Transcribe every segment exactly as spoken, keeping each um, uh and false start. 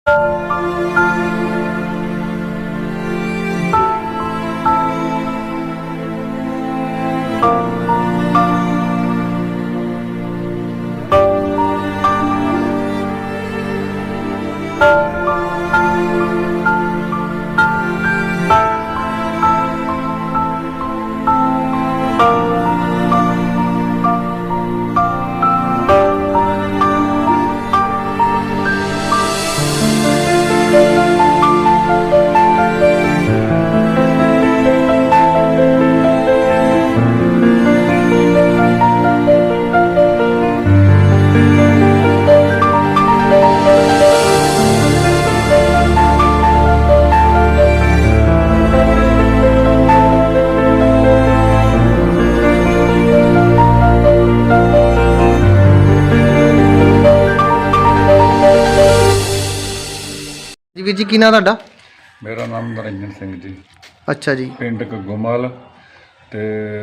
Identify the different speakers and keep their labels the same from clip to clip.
Speaker 1: जी वीर जी की नाम तुहाडा?
Speaker 2: मेरा नाम नरिंजन सिंह जी।
Speaker 1: अच्छा जी।
Speaker 2: पिंड घग्गोमल ते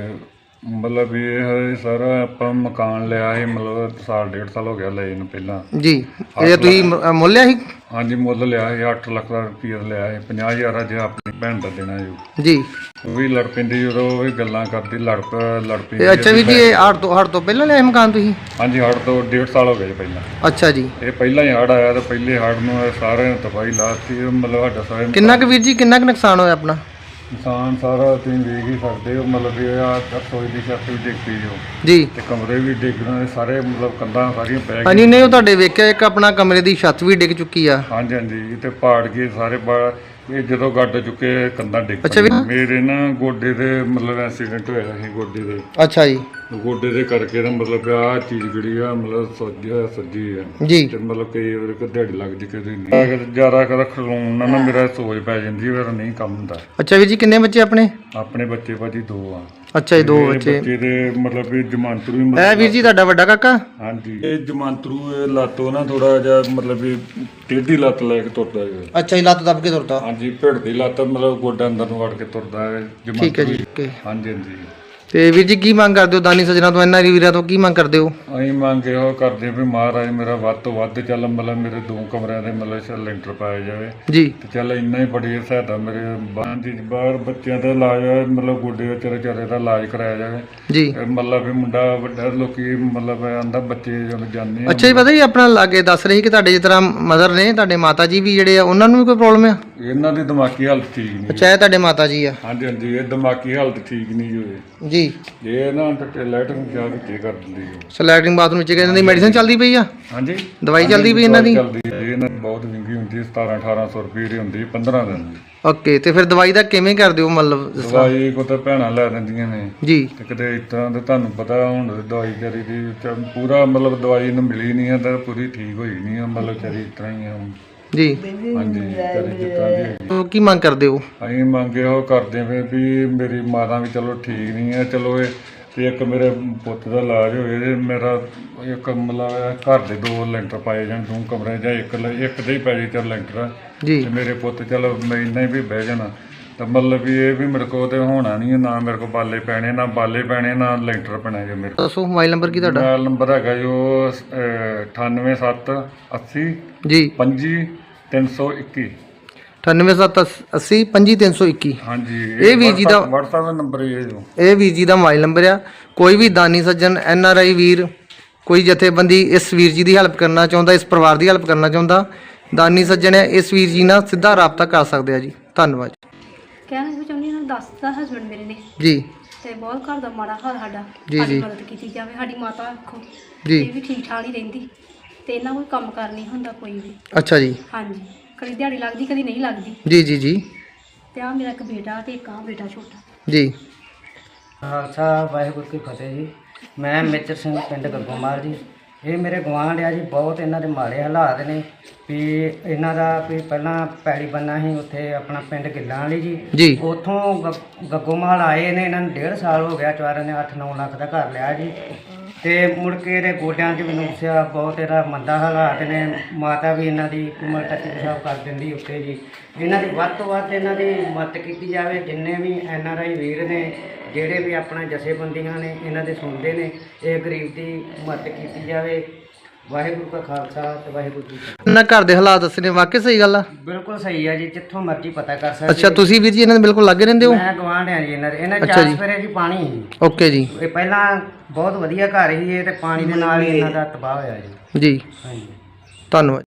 Speaker 2: मतलब भी ये सारा ਆਪਾਂ मकान लिया है मतलब साल डेढ़ साल हो गया ले ਨੂੰ ਪਹਿਲਾਂ
Speaker 1: जी ਇਹ ਤੁਸੀਂ ਮੁੱਲ ਲਿਆ ਸੀ?
Speaker 2: ਹਾਂਜੀ ਮੁੱਲ ਲਿਆ ਹੈ ਅੱਠ ਲੱਖ ਦਾ ਰੁਪਈਆ ਲਿਆ ਹੈ ਪੰਜਾਹ ਹਜ਼ਾਰ ਅੱਜ ਆਪਣੀ ਭੈਣ ਦਾ ਦੇਣਾ ਜੀ।
Speaker 1: ਜੀ
Speaker 2: ਉਹ ਵੀ ਲੜ ਪੈਂਦੀ ਜਦੋਂ ਉਹ ਵੀ ਗੱਲਾਂ ਕਰਦੀ ਲੜ ਲੜ
Speaker 1: ਤੇ
Speaker 2: ਪੈਂਦੀ।
Speaker 1: ਅੱਛਾ ਵੀਰ ਜੀ ਇਹ ਹੜ ਤੋਂ ਹੜ ਤੋਂ ਪਹਿਲਾਂ ਲਿਆ ਮਕਾਨ ਤੁਸੀਂ?
Speaker 2: ਹਾਂਜੀ ਹੜ ਤੋਂ ਡੇਢ ਸਾਲ ਹੋ ਗਏ ਜੀ ਪਹਿਲਾਂ।
Speaker 1: ਅੱਛਾ ਜੀ।
Speaker 2: ਇਹ ਪਹਿਲਾਂ ਹੀ ਹੜ ਆਇਆ ਤੇ ਪਹਿਲੇ ਹੜ ਨੂੰ ਸਾਰਿਆਂ ਨੇ ਤਬਾਹੀ ਲਾਤੀ ਮਤਲਬ ਸਾਡਾ ਸਾਰੇ
Speaker 1: ਕਿੰਨਾ ਕੁ ਵੀਰ ਜੀ ਕਿੰਨਾ ਕੁ ਨੁਕਸਾਨ ਹੋਇਆ ਆਪਣਾ?
Speaker 2: ਨੁਕਸਾਨ ਸਾਰਾ ਤੁਸੀਂ ਵੇਖ ਹੀ ਸਕਦੇ ਹੋ ਮਤਲਬ ਇਹ ਆ ਰਸੋਈ ਦੀ ਛੱਤ ਵੀ ਡਿੱਗ ਪਈ ਜੋ
Speaker 1: ਜੀ
Speaker 2: ਤੇ ਕਮਰੇ ਵੀ ਡਿੱਗਣ ਸਾਰੇ ਮਤਲਬ ਕੰਧਾਂ ਸਾਰੀਆਂ ਪੈ ਗਈਆਂ।
Speaker 1: ਹਾਂਜੀ ਨਹੀਂ ਉਹ ਤੁਹਾਡੇ ਵੇਖਿਆ ਇੱਕ ਆਪਣਾ ਕਮਰੇ ਦੀ ਛੱਤ ਵੀ ਡਿੱਗ ਚੁੱਕੀ ਆ।
Speaker 2: ਹਾਂਜੀ ਹਾਂਜੀ ਤੇ ਪਾੜ ਗਏ ਸਾਰੇ ਪਾ- ਇਹ ਜਦੋਂ ਗੱਡ ਚੁੱਕੇ ਕੰਧਾਂ ਡਿੱਗ
Speaker 1: ਅੱਛਾ ਵੀ-
Speaker 2: ਪਈਆਂ। ਮੇਰੇ ਨਾ ਗੋਡੇ ਦੇ ਮਤਲਬ ਐਕਸੀਡੈਂਟ ਹੋਇਆ ਸੀ ਗੋਡੇ ਦੇ
Speaker 1: ਅੱਛਾ ਜੀ।
Speaker 2: ਗੋਡੇ ਦੇ ਕਰਕੇ ਤਾਂ ਮਤਲਬ ਆਹ ਚੀਜ਼ ਜਿਹੜੀ ਆ ਮਤਲਬ ਸੱਜੀ ਆ ਸੱਜੀ ਆ
Speaker 1: ਜੀ
Speaker 2: ਤੇ ਮਤਲਬ ਕਈ ਵਾਰ ਕਿ ਦਿਹਾੜੀ ਲੱਗ ਜੀ ਕਦੇ ਨਹੀਂ ਜ਼ਿਆਦਾ ਕਦਾ ਖਲੋਣ ਨਾਲ ਨਾ ਮੇਰਾ ਸੋਜ ਪੈ ਜਾਂਦੀ ਫਿਰ ਨਹੀਂ ਕੰਮ ਹੁੰਦਾ।
Speaker 1: ਅੱਛਾ ਵੀਰ ਜੀ ਕਿੰਨੇ ਬੱਚੇ ਆਪਣੇ?
Speaker 2: ਆਪਣੇ ਬੱਚੇ ਭਾਜੀ ਦੋ ਆ।
Speaker 1: ਅੱਛਾ ਜੀ ਦੋ
Speaker 2: ਇਹ
Speaker 1: ਬੱਚੇ।
Speaker 2: ਬੱਚੇ ਦੇ ਮਤਲਬ ਵੀ ਜਮਾਂਤਰੂ ਹੀ
Speaker 1: ਇਹ ਵੀਰ ਜੀ ਤੁਹਾਡਾ ਵੱਡਾ ਕਾਕਾ?
Speaker 2: ਹਾਂਜੀ ਇਹ ਜਮਾਂਤਰੂ ਇਹ ਲੱਤੋਂ ਨਾ ਥੋੜਾ ਜਿਹਾ ਮਤਲਬ ਵੀ ਟੇਢੀ ਲੱਤ ਲੈ ਕੇ ਤੁਰਦਾ ਹੈ।
Speaker 1: ਅੱਛਾ ਜੀ ਲੱਤ ਦੱਬ ਕੇ ਤੁਰਦਾ?
Speaker 2: ਹਾਂਜੀ ਭਿੜ ਦੀ ਲੱਤ ਮਤਲਬ ਗੋਡਾ ਅੰਦਰ ਨੂੰ ਵੜ ਕੇ ਤੁਰਦਾ ਹੈ ਜਮਾਂਤਰੂ।
Speaker 1: ਠੀਕ ਹੈ ਜੀ ਓਕੇ।
Speaker 2: ਹਾਂਜੀ ਹਾਂਜੀ
Speaker 1: ਤੇ ਵੀਰ ਜੀ ਕੀ ਮੰਗ ਕਰਦੇ ਹੋ ਦਾਨੀ ਸੱਜਣਾ ਤੋਂ ਇਹਨਾਂ ਵੀਰਾਂ ਤੋਂ ਕੀ ਮੰਗ ਕਰਦੇ ਹੋ?
Speaker 2: ਅਸੀਂ ਮੰਗ ਇਹੋ ਕਰਦੇ ਵੀ ਮਹਾਰਾਜ ਮੇਰਾ ਵੱਧ ਤੋਂ ਵੱਧ ਚੱਲ ਮਤਲਬ ਮੇਰੇ ਦੋ ਕਮਰਿਆਂ ਦੇ ਮਤਲਬ ਲੈਂਟਰ ਪਾਇਆ ਜਾਵੇ
Speaker 1: ਜੀ
Speaker 2: ਤੇ ਚੱਲ ਇੰਨਾ ਹੀ ਬੜੀ ਸਹਾਇਤਾ ਮੇਰੇ ਬਾਹਰ ਦੀ ਬਾਹਰ ਬੱਚਿਆਂ ਦਾ ਇਲਾਜ ਮਤਲਬ ਗੋਡੇ ਵਿੱਚ ਵਿਚਾਰੇ ਦਾ ਇਲਾਜ ਕਰਾਇਆ ਜਾਵੇ
Speaker 1: ਜੀ।
Speaker 2: ਮਤਲਬ ਵੀ ਮੁੰਡਾ ਵੱਡਾ ਲੋਕੀ ਮਤਲਬ ਆਂਦਾ ਬੱਚੇ ਜਦੋਂ ਜਾਂਦੇ ਆ।
Speaker 1: ਅੱਛਾ ਜੀ ਪਤਾ ਜੀ ਆਪਣਾ ਲਾਗੇ ਦੱਸ ਰਹੀ ਕਿ ਤੁਹਾਡੇ ਜਿਸ ਤਰ੍ਹਾਂ ਮਦਰ ਨੇ ਤੁਹਾਡੇ ਮਾਤਾ ਜੀ ਵੀ ਜਿਹੜੇ ਆ ਉਹਨਾਂ ਨੂੰ ਵੀ ਕੋਈ ਪ੍ਰੋਬਲਮ ਆ?
Speaker 2: ਇਹਨਾਂ ਦੀ ਦਿਮਾਗੀ ਹਾਲਤ ਠੀਕ ਨਹੀਂ।
Speaker 1: ਅੱਛਾ ਇਹ ਤੁਹਾਡੇ ਮਾਤਾ ਜੀ ਆ?
Speaker 2: ਹਾਂਜੀ ਹਾਂਜੀ ਇਹ ਦਿਮਾਗੀ ਹਾਲਤ ਠੀਕ ਨਹੀਂ ਹੋਏ
Speaker 1: ਜੀ।
Speaker 2: ਇਹ ਨਾ ਲੈਟਰਿੰਗ ਜਾ ਕੇ ਕੀ ਕਰ ਦਿੰਦੀ ਹੈ।
Speaker 1: ਸਲੈਟਰਿੰਗ ਬਾਥਰੂਮ ਵਿੱਚ ਇਹਨਾਂ ਦੀ ਮੈਡੀਸਿਨ ਚੱਲਦੀ ਪਈ ਆ?
Speaker 2: ਹਾਂਜੀ
Speaker 1: ਦਵਾਈ ਚੱਲਦੀ ਪਈ ਇਹਨਾਂ ਦੀ?
Speaker 2: ਚੱਲਦੀ ਹੈ ਇਹਨਾਂ ਦੀ ਬਹੁਤ ਮਹਿੰਗੀ ਹੁੰਦੀ ਹੈ ਸਤਾਰਾਂ ਅਠਾਰਾਂ ਸੌ ਰੁਪਏ ਦੀ ਹੁੰਦੀ ਪੰਦਰਾਂ ਦਿਨ ਦੀ।
Speaker 1: ਓਕੇ ਤੇ ਫਿਰ ਦਵਾਈ ਦਾ ਕਿਵੇਂ ਕਰਦੇ ਹੋ ਮਤਲਬ?
Speaker 2: ਦਵਾਈ ਕੋ ਤਾਂ ਭੈਣਾਂ ਲੈ ਦਿੰਦੀਆਂ ਨੇ
Speaker 1: ਜੀ।
Speaker 2: ਤੇ ਕਿਤੇ ਇਸ ਤਰ੍ਹਾਂ ਦੇ ਤੁਹਾਨੂੰ ਪਤਾ ਹੁਣ ਦਵਾਈ ਕਰੀ ਦੀ ਚ- ਪੂਰਾ ਮਤਲਬ ਦਵਾਈ ਨੂੰ ਮਿਲੀ ਨਹੀਂ ਹੈ ਤਾਂ ਪੂਰੀ ਠੀਕ ਹੋਈ ਨਹੀਂ ਹੈ ਮਤਲਬ ਚਰੀ ਇਸ ਤਰ੍ਹਾਂ ਹੀ ਆ
Speaker 1: ਜੀ।
Speaker 2: ਹਾਂਜੀ ਚਰੀ ਜਿਸ ਤਰ੍ਹਾਂ ਦੀ ਹੈਗੀ।
Speaker 1: ਉਹ ਕੀ ਮੰਗ ਕਰਦੇ ਹੋ?
Speaker 2: ਅਸੀਂ ਮੰਗੇ ਉਹ ਕਰਦੇ ਵੇ ਵੀ ਮੇਰੀ ਮਾਤਾ ਵੀ ਚਲੋ ਠੀਕ ਨਹੀਂ ਹੈ ਚਲੋ ਇਹ ਤੇ ਇੱਕ ਮੇਰੇ ਪੁੱਤ ਦਾ ਇਲਾਜ ਹੋਏ ਤੇ ਮੇਰਾ ਇੱਕ ਮਤਲਬ ਘਰ ਦੇ ਦੋ ਲੈਂਟਰ ਪਾਏ ਜਾਣ ਦੋ ਕਮਰੇ ਜਾਂ ਇੱਕ ਲ- ਇੱਕ ਦੇ ਹੀ ਪੈ ਜੇ ਚੱਲ ਲੈਂਟਰ
Speaker 1: ਜੀ।
Speaker 2: ਤੇ ਮੇਰੇ ਪੁੱਤ ਚਲੋ ਮੈਂ ਇੰਨਾ ਹੀ ਵੀ ਬਹਿ ਜਾਣਾ ਤਾਂ ਮਤਲਬ ਵੀ ਇਹ ਵੀ ਮੇਰੇ ਕੋਲ ਤੇ ਹੋਣਾ ਨਹੀਂ ਨਾ ਮੇਰੇ ਕੋਲ ਬਾਲੇ ਪੈਣੇ ਨਾ ਬਾਲੇ ਪੈਣੇ ਨਾ ਲੈਂਟਰ ਪੈਣਾ ਜੇ ਮੇਰੇ ਕੋਲ।
Speaker 1: ਦੱਸੋ ਮੋਬਾਈਲ ਨੰਬਰ ਕੀ ਤੁਹਾਡਾ?
Speaker 2: ਮੋਬਾਈਲ ਨੰਬਰ ਹੈਗਾ ਜੋ ਅਠਾਨਵੇਂ ਸੱਤ ਅੱਸੀ
Speaker 1: ਜੀ।
Speaker 2: ਪੰਜੀ ਤਿੰਨ ਸੌ ਇੱਕੀ।
Speaker 1: ਅਠਾਨਵੇਂ ਸੱਤ ਅੱਸੀ ਪੰਜੀ ਤਿੰਨ ਸੌ ਇੱਕੀ।
Speaker 2: ਹਾਂਜੀ
Speaker 1: ਇਹ ਵੀਰ ਜੀ ਦਾ
Speaker 2: WhatsApp ਦਾ ਨੰਬਰ ਇਹ ਜੋ
Speaker 1: ਇਹ ਵੀਰ ਜੀ ਦਾ ਮੋਬਾਈਲ ਨੰਬਰ ਆ। ਕੋਈ ਵੀ ਦਾਨੀ ਸੱਜਣ ਐਨ ਆਰ ਆਈ ਵੀਰ ਕੋਈ ਜਥੇਬੰਦੀ ਇਸ ਵੀਰ ਜੀ ਦੀ ਹੈਲਪ ਕਰਨਾ ਚਾਹੁੰਦਾ ਇਸ ਪਰਿਵਾਰ ਦੀ ਹੈਲਪ ਕਰਨਾ ਚਾਹੁੰਦਾ ਦਾਨੀ ਸੱਜਣ ਹੈ ਇਸ ਵੀਰ ਜੀ ਨਾਲ ਸਿੱਧਾ ਰਾਬਤਾ ਕਰ ਸਕਦੇ ਆ ਜੀ। ਧੰਨਵਾਦ।
Speaker 3: ਕਹਿਣਾ ਵੀ ਚਾਹੁੰਦੀ ਹਾਂ ਦੱਸਦਾ ਹਸਬੈਂਡ ਮੇਰੇ ਨੇ
Speaker 1: ਜੀ
Speaker 3: ਤੇ ਬਹੁਤ ਘਰ ਦਾ ਮਾੜਾ ਹਾਲ ਸਾਡਾ
Speaker 1: ਜੀ,
Speaker 3: ਸਾਡੀ
Speaker 1: ਜੀ।
Speaker 3: ਮਦਦ ਕੀਤੀ ਜਾਵੇ। ਸਾਡੀ ਮਾਤਾ ਆਖੋ
Speaker 1: ਜੀ।
Speaker 3: ਇਹ ਵੀ ਠੀਕ ਠਾਕ ਹੀ ਰਹਿੰਦੀ ਤੇ ਇਹਨਾਂ ਕੋਈ ਕੰਮ ਕਰ ਨਹੀਂ ਹੁੰਦਾ ਕੋਈ ਵੀ।
Speaker 1: ਅੱਛਾ ਜੀ।
Speaker 3: ਹਾਂਜੀ ਕਦੀ ਦਿਹਾੜੀ ਲੱਗਦੀ ਕਦੀ ਨਹੀਂ ਲੱਗਦੀ
Speaker 1: ਜੀ ਜੀ ਜੀ
Speaker 3: ਤੇ ਆ ਮੇਰਾ ਇੱਕ ਬੇਟਾ ਤੇ ਇੱਕ ਆ ਬੇਟਾ ਛੋਟਾ।
Speaker 1: ਜੀ।
Speaker 4: ਖਾਲਸਾ ਵਾਹਿਗੁਰੂ ਕੀ ਫਤਿਹ ਜੀ। ਮੈਂ ਮੇਜਰ ਸਿੰਘ ਪਿੰਡ ਘੱਗੋਮਲ ਜੀ। ਇਹ ਮੇਰੇ ਗੁਆਂਢ ਆ ਜੀ ਬਹੁਤ ਇਹਨਾਂ ਦੇ ਮਾੜੇ ਹਾਲਾਤ ਨੇ ਵੀ ਇਹਨਾਂ ਦਾ ਵੀ ਪਹਿਲਾਂ ਪੈਲੀ ਬੰਨਾ ਸੀ ਉੱਥੇ ਆਪਣਾ ਪਿੰਡ ਗਿੱਲਾਂ ਵਾਲੀ ਜੀ।
Speaker 1: ਜੀ।
Speaker 4: ਉੱਥੋਂ ਗ- ਘੱਗੋਮਲ ਆਏ ਨੇ ਇਹਨਾਂ ਨੂੰ ਡੇਢ ਸਾਲ ਹੋ ਗਿਆ ਚਾਰਾਂ ਨੇ ਅੱਠ ਨੌ ਲੱਖ ਦਾ ਘਰ ਲਿਆ ਜੀ ਤੇ ਮੁੜ ਕੇ ਇਹਦੇ ਗੋਡਿਆਂ 'ਚ ਵੀ ਨੁਕਸਿਆ ਬਹੁਤ ਇਹਦਾ ਮੰਦਾ ਹਾਲਾਤ ਨੇ। ਮਾਤਾ ਵੀ ਇਹਨਾਂ ਦੀ ਉਮਰ ਤੱਕ ਪਿਸ਼ਾਬ ਕਰ ਦਿੰਦੀ ਉੱਤੇ ਜੀ। ਇਹਨਾਂ ਦੀ ਵੱਧ ਤੋਂ ਵੱਧ ਇਹਨਾਂ ਦੀ ਮਦਦ ਕੀਤੀ ਜਾਵੇ। ਜਿੰਨੇ ਵੀ ਐਨ ਆਰ ਆਈ ਵੀਰ ਨੇ ਜਿਹੜੇ ਵੀ ਆਪਣਾ ਜਥੇਬੰਦੀਆਂ ਨੇ ਇਹਨਾਂ ਦੇ ਸੁਣਦੇ ਨੇ ਇਹ ਗਰੀਬ ਦੀ ਮਦਦ ਕੀਤੀ ਜਾਵੇ। ਵਾਹਿਗੁਰੂ ਕਾ ਖਾਲਸਾ ਤੇ ਵਾਹਿਗੁਰੂ ਜੀ ਕੀ
Speaker 1: ਇਹਨਾਂ ਘਰ ਦੇ ਹਾਲਾਤ ਦੱਸਣੇ ਵਾਕਿਆ ਸਹੀ ਗੱਲ ਆ?
Speaker 4: ਫਤਿਹ। ਬਿਲਕੁਲ ਸਹੀ ਹੈ ਜੀ, ਜਿੱਥੋਂ ਮਰਜ਼ੀ ਪਤਾ ਕਰ ਸਕਦੇ
Speaker 1: ਅੱਛਾ, ਤੁਸੀਂ ਵੀਰ ਜੀ ਇਹਨਾਂ ਦੇ ਬਿਲਕੁਲ ਲਾਗੇ ਰਹਿੰਦੇ ਹੋ?
Speaker 4: ਮੈਂ ਗਵਾਂਢ ਆ ਜੀ ਇਹਨਾਂ ਦੇ। ਇਹਨਾਂ
Speaker 1: ਅੱਛਾ
Speaker 4: ਚਾਰ
Speaker 1: ਜੀ।
Speaker 4: ਸਫੇਰੇ ਜੀ ਪਾਣੀ ਸੀ।
Speaker 1: ਓਕੇ ਜੀ
Speaker 4: ਇਹ ਪਹਿਲਾਂ ਬਹੁਤ ਵਧੀਆ ਘਰ ਸੀ, ਇਹ ਤੇ ਪਾਣੀ ਦੇ ਨਾਲ ਹੀ ਇਹਨਾਂ ਦਾ ਤਬਾਹ ਹੋਇਆ ਜੀ।
Speaker 1: ਜੀ,
Speaker 4: ਹਾਂਜੀ।
Speaker 1: ਧੰਨਵਾਦ।